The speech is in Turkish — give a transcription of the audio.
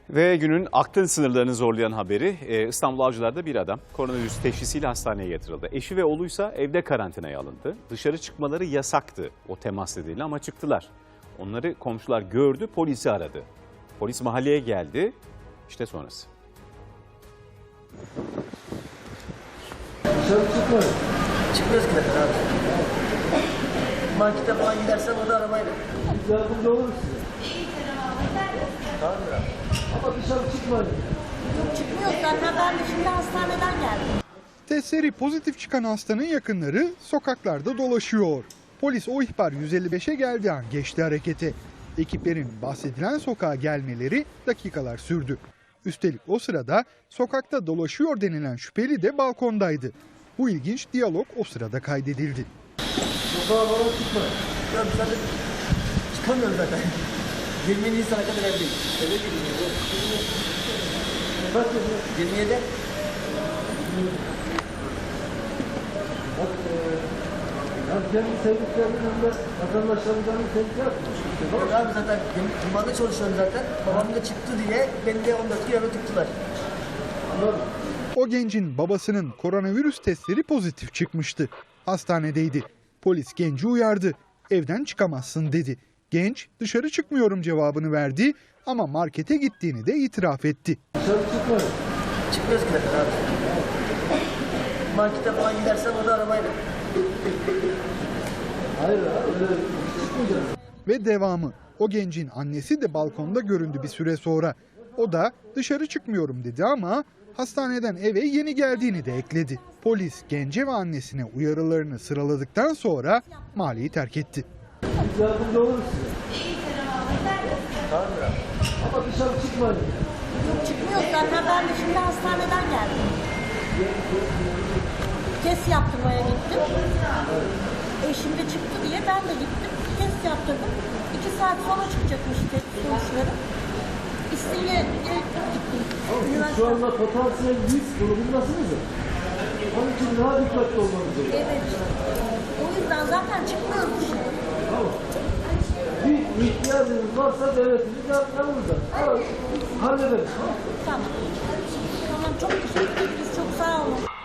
Ve günün aklın sınırlarını zorlayan haberi İstanbul Avcılar'da bir adam koronavirüs teşhisiyle hastaneye yatırıldı. Eşi ve oğluysa evde karantinaya alındı. Dışarı çıkmaları yasaktı o temas nedeniyle ama çıktılar. Onları komşular gördü, polisi aradı. Polis mahalleye geldi. İşte sonrası. Dışarı çıkmayın. Çıkmıyoruz ki abi. Markete falan gidersen o da arabayla. Biz yardımcı oluruz size. Tamam mı? Ama dışarı çıkmayın. Yok çıkmıyoruz zaten ben de şimdi hastaneden geldim. Testleri pozitif çıkan hastanın yakınları sokaklarda dolaşıyor. Polis o ihbar 155'e geldiği an geçti harekete. Ekiplerin bahsedilen sokağa gelmeleri dakikalar sürdü. Üstelik o sırada sokakta dolaşıyor denilen şüpheli de balkondaydı. Bu ilginç diyalog o sırada kaydedildi. Sokağa falan çıkmayın. Ya biz zaten çıkamıyoruz zaten. 20 Nisan'a kadar evdeyiz. Eve gidiyoruz. Kaç yaşında? 27. Bak, hem kendi sevdiklerinin hem de vatandaşlarından tehlike yapmış. Yok abi zaten kumanda çalışıyorum zaten. Babam da çıktı diye beni de 14 gün eve tuttular. Anladın? O gencin babasının koronavirüs testleri pozitif çıkmıştı. Hastanedeydi. Polis genci uyardı. Evden çıkamazsın dedi. Genç dışarı çıkmıyorum cevabını verdi ama markete gittiğini de itiraf etti. Dışarı çıkmayın. Çıkmıyoruz ki zaten abi. Markete falan gidersen o da arabayla. Hayır abi öyle çıkmayacağız. Ve devamı. O gencin annesi de balkonda göründü bir süre sonra. O da dışarı çıkmıyorum dedi ama hastaneden eve yeni geldiğini de ekledi. Polis gence ve annesine uyarılarını sıraladıktan sonra mahalleyi terk etti. Biz yardımcı oluruz size. Tamam mı? Ama dışarı çıkmayın. Yok çıkmıyoruz zaten ben de şimdi hastaneden geldim. Test yaptırmaya gittim. Eşim de çıktı diye ben de gittim. Test yaptırdım. 2 saat sonra çıkacakmış test sonuçları. İstinye'ye gittim. Siz şu anda potansiyel risk grubundasınız ya. Onun için daha dikkatli olmanız gerekiyor. Evet. O yüzden zaten çıkmıyoruz dışarı. Tamam. Bir ihtiyacınız varsa devletimiz yanımızda. Hallederiz. Tamam. Tamam çok teşekkür ederiz. Çok sağ olun.